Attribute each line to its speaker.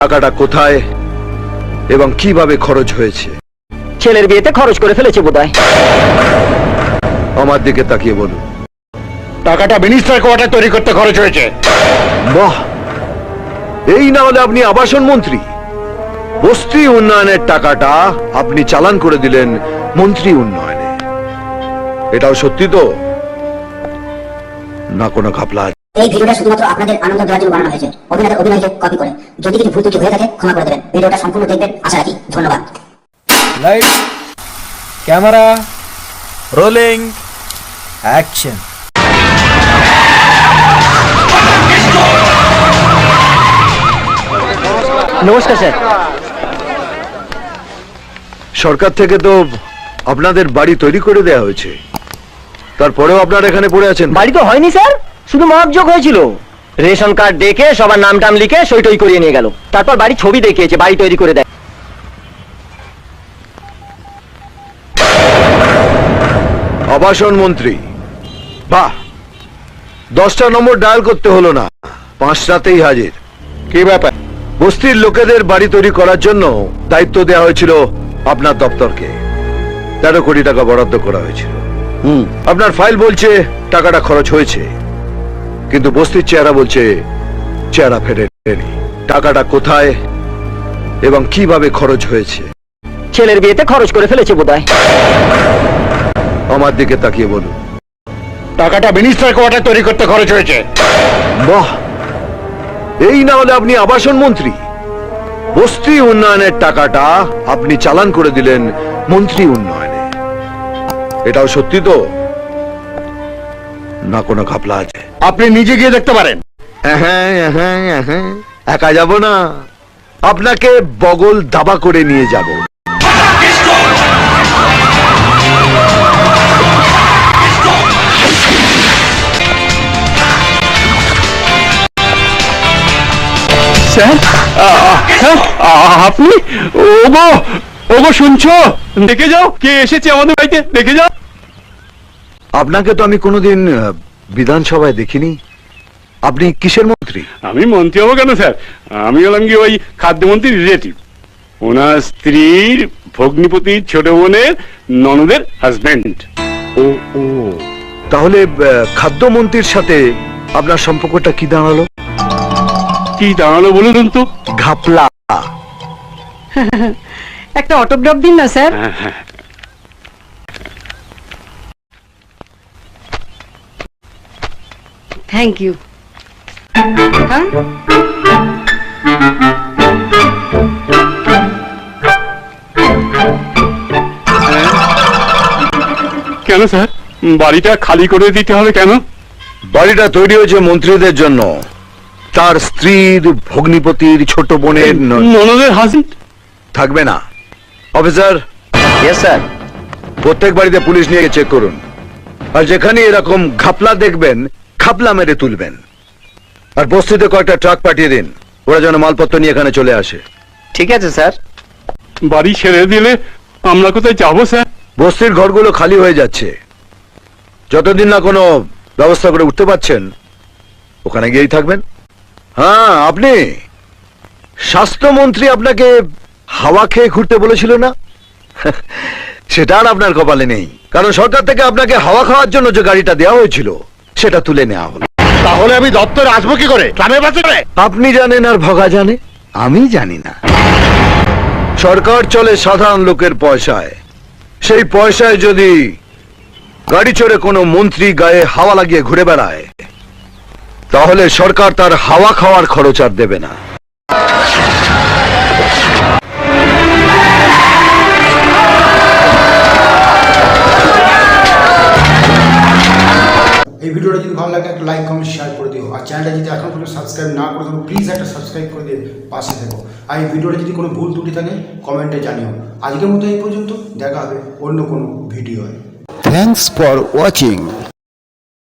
Speaker 1: টাকাটা কোথায় এবং কিভাবে খরচ হয়েছে?
Speaker 2: ছেলের বিয়েতে খরচ করে ফেলেছে বোধহয়।
Speaker 1: আমার দিকে তাকিয়ে বলুন।
Speaker 3: টাকাটা মিনিস্টার কোয়ার্টার তৈরি করতে খরচ হয়েছে।
Speaker 1: বাহ, এই না হলে আপনি আবাসন মন্ত্রী। বস্তি উন্নয়নের টাকাটা আপনি চালান করে দিলেন মন্ত্রী উন্নয়নে। এটাও সত্যি তো, না কোনো ঘাপলা?
Speaker 4: এই ভিডিওটা শুধুমাত্র আপনাদের আনন্দ দেওয়ার জন্য বানানো হয়েছে, অভিনয়কে কপি করে। যদি কিছু ভুল ত্রুটি হয়ে থাকে ক্ষমা করে দেবেন। ভিডিওটা সম্পূর্ণ দেখবেন আশা রাখি। ধন্যবাদ।
Speaker 5: Light, camera, rolling, action.
Speaker 2: নমস্কার স্যার।
Speaker 1: সরকার থেকে তো আপনাদের বাড়ি তৈরি করে দেয়া হয়েছে, তারপরেও আপনারা এখানে পড়ে আছেন।
Speaker 2: বাড়ি তো হয়নি স্যার, শুধু মহাবযোগ হয়েছিল। রেশন কার্ড দেখে সবার নাম টাম লিখে সই টই করিয়ে নিয়ে গেল। তারপর বাড়ি ছবি দেখিয়েছে, বাড়ি তৈরি করে দেয়।
Speaker 1: আবাসন মন্ত্রী, বাহ, 10টা নম্বর ডায়াল করতে হলো না, 5টাতেই হাজির।
Speaker 3: কি ব্যাপার?
Speaker 1: বস্তির লোকেদের বাড়ি তৈরি করার জন্য দায়িত্ব দেওয়া হয়েছিল আপনার দপ্তরকে। 13 কোটি টাকা বরাদ্দ করা হয়েছিল। আপনার ফাইল বলছে টাকাটা খরচ হয়েছে, কিন্তু বস্তির চেহারা বলছে চেহারা ফেরেনি। টাকাটা কোথায় এবং কিভাবে খরচ হয়েছে?
Speaker 2: ছেলের বিয়েতে খরচ করে ফেলেছে বোধহয়।
Speaker 1: আমার দিকে তাকিয়ে বলুন।
Speaker 3: টাকাটা মিনিস্টার কোয়ার্টার তৈরি করতে খরচ হয়েছে।
Speaker 1: বাহ, এই না হলে আপনি আবাসন মন্ত্রী। বস্তি উন্নয়নের টাকাটা আপনি চালান করে দিলেন মন্ত্রী উন্নয়নে। এটাও সত্যি তো, না কোনো ঘাপলা আছে?
Speaker 3: আপনি নিজে গিয়ে দেখতে পারেন।
Speaker 1: একা যাব না, আপনাকে বগল দাবা করে নিয়ে যাব।
Speaker 3: স্যার, আপনি? ওগো ওগো, শুনছো? দেখে যাও কে এসেছে আমাদের বাড়িতে, দেখে যাও।
Speaker 1: আপনাকে তো আমি কোনোদিন বিধানসভায় দেখিনি। আপনি কিসের মন্ত্রী?
Speaker 6: আমি মন্ত্রী হবো কেন স্যার? আমি হলাম কি ওই খাদ্যমন্ত্রীর রিলেটিভ। ওনার স্ত্রীর ভগ্নিপতির ছোট বোনের ননদের হাজবেন্ড।
Speaker 1: ও ও, তাহলে খাদ্যমন্ত্রীর সাথে আপনার সম্পর্কটা কি দাঁড়ালো?
Speaker 6: কি দাঁড়ালো বলুন তো?
Speaker 1: ঘাপলা।
Speaker 7: একটা অটোগ্রাফ দিন না স্যার। Thank you.
Speaker 6: কেন স্যার, বাড়িটা খালি করে দিতে হবে কেন?
Speaker 1: বাড়িটা তৈরি হয়েছে মন্ত্রীদের জন্য। তার স্ত্রীর ভগ্নিপতির ছোট বোনের
Speaker 6: ননদের হাজবেন্ড
Speaker 1: থাকবে না। Officer,
Speaker 2: yes sir.
Speaker 1: প্রত্যেক বাড়িতে পুলিশ নিয়ে চেক করুন, আর যেখানে এরকম ঘাপলা দেখবেন খাপলা মেরে তুলবেন। আর বস্তিতে কয়েকটা ট্রাক পাঠিয়ে দিন, ওরা যেন মালপত্র নিয়ে এখানে চলে আসে।
Speaker 2: ঠিক আছে স্যার।
Speaker 6: বাড়ি ছেড়ে দিলে আমরা কোথায় যাবো স্যার?
Speaker 1: বস্তির ঘরগুলো খালি হয়ে যাচ্ছে, যতদিন না কোনো ব্যবস্থা করে উঠতে পারছেন ওখানে গিয়েই থাকবেন। হ্যাঁ, আপনি স্বাস্থ্যমন্ত্রী আপনাকে হাওয়া খেয়ে ঘুরতে বলেছিল না? সেটা আর আপনার কপালে নেই, কারণ সরকার থেকে আপনাকে হাওয়া খাওয়ার জন্য যে গাড়িটা দেওয়া হয়েছিল সেটা তুলে নেওয়া হলো।
Speaker 3: তাহলে আমি দপ্তরে আসবো কি করে? ট্রামের বাসে করে?
Speaker 1: আপনি জানেন আর ভগা জানে, আমি জানি না। সরকার চলে সাধারণ লোকের পয়সায়। সেই পয়সায় যদি গাড়ি চড়ে কোনো মন্ত্রী গায়ে হাওয়া লাগিয়ে ঘুরে বেড়ায়, তাহলে সরকার তার হাওয়া খাওয়ার খরচ আর দেবে না।
Speaker 8: এই ভিডিওটা যদি ভালো লাগে একটা লাইক কমেন্ট শেয়ার করে দিও, আর চ্যানেলটা যদি এখন পর্যন্ত সাবস্ক্রাইব না করে থাকো প্লিজ একটা সাবস্ক্রাইব করে দিয়ে পাশে থেকো। আর এই ভিডিওটা যদি কোনো ভুল ত্রুটি থাকে কমেন্টে জানিও। আজকের মতো এই পর্যন্ত, দেখা হবে অন্য কোনো ভিডিওয়।
Speaker 9: Thanks for watching.